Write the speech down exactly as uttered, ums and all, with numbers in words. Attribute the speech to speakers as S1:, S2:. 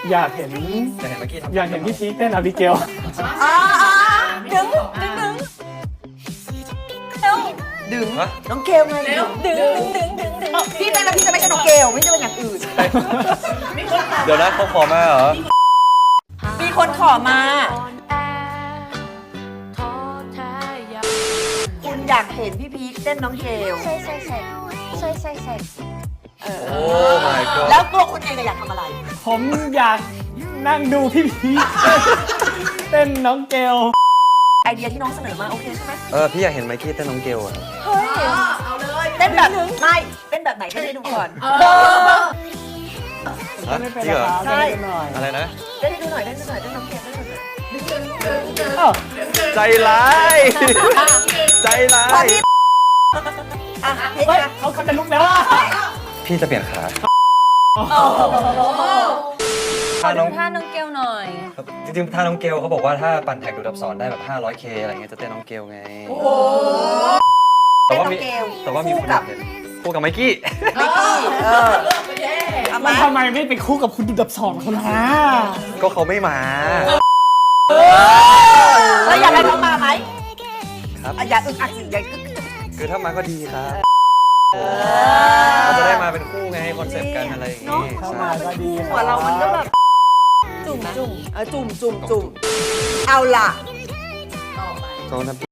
S1: อยากเห็น
S2: จะเห็นเมื่อกี้
S1: อยากเห็นพี่พีคเต้นอาบิเกล
S3: อ่าดึงดึงดึงเร็วดึงน้องเกลไงดึงดึงดึงดึงดึงพี่เต้นแล้วพี่จะไม่ใช่น้องเกลไม่ใช่เป็นอย่างอื่น
S2: เดี๋ยวนะเขาขอมาเหรอ
S3: มีคนขอมาคุณอยากเห็นพี่พีคเต้นน้องเกล
S4: ใช่ใช่ใช่ใช่ใช่ใช่
S3: เออ
S2: โอ้ my god
S3: แล้วตัวคุณเองอยากทำอะไร
S1: ผมอยากนั่งดูพี่พีคเต้นน้องเกล
S3: ไอเดียที่น้องเสนอมาโอเคใช่ไหม
S2: เออพี่อยากเห็นไมค์กี้เต้นน้องเกลอะ
S3: เฮ้ยเอาเลยเต้นแบบไม่เต้นแบบไหนเต้นให้ดูก่อน
S2: ฮะ
S1: ไม่เป็น
S2: จริงเหรอ
S1: ราคา
S3: ใช่
S1: เต้นหน่อย
S2: อะไรนะ
S3: เต้นให้ดูหน่อยเต้นให้ดูหน่อยเต้นน้องเกลเต้นหน่อย
S1: อ้าว
S2: ใจร้าย ใจร้า
S3: พอย พี่อ่ะเฮ้ย
S1: เฮ้ยเขาเขาจะลุกแล้วอะ
S2: พี่จะเปลี่ยนขา
S4: ขอดูท่าน้องเกลหน่อย
S2: จริงๆถ้าน้องเกลเขาบอกว่าถ้าปั่นแท็กดูดอับสอนได้แบบ ห้าร้อยเค อะไรเงี้ยจะเต้นน้องเกลไง แต่
S3: เต้น
S2: ว่า
S3: น้อ
S2: มี
S3: งเกล
S2: แต่ว่ามี
S3: คู่
S2: คนอ
S3: กั
S2: ยา
S3: บ
S2: กเห็นคู่กับไมค์กี้
S3: ไมค์กี้เออเอา
S1: แล้
S3: มาว
S1: ทำไมไม่ไปคู่กับคุณดุดับสอนคนฮะ
S2: ก็เขาไม่มา
S3: แล้วอยากให้น้องมาไหม
S2: ครับ
S3: อ่ะอย่าอึกอักสิอย่าอึก
S2: คือถ้ามาก็ดีครับ
S3: เอ
S2: เราจะ
S3: อ
S2: ได้มาเป็นคู่ไงคอนเซปต์กันอะไรอย่างงี้
S1: เข้า
S2: ใช่
S1: มาก็ดีค
S3: หัว
S1: บ
S3: เรามันก็แบบ
S4: จุ่มจุ่ม
S3: เออจุ่มจุ่มจุ่มเอาล่ะ
S2: โซนทำ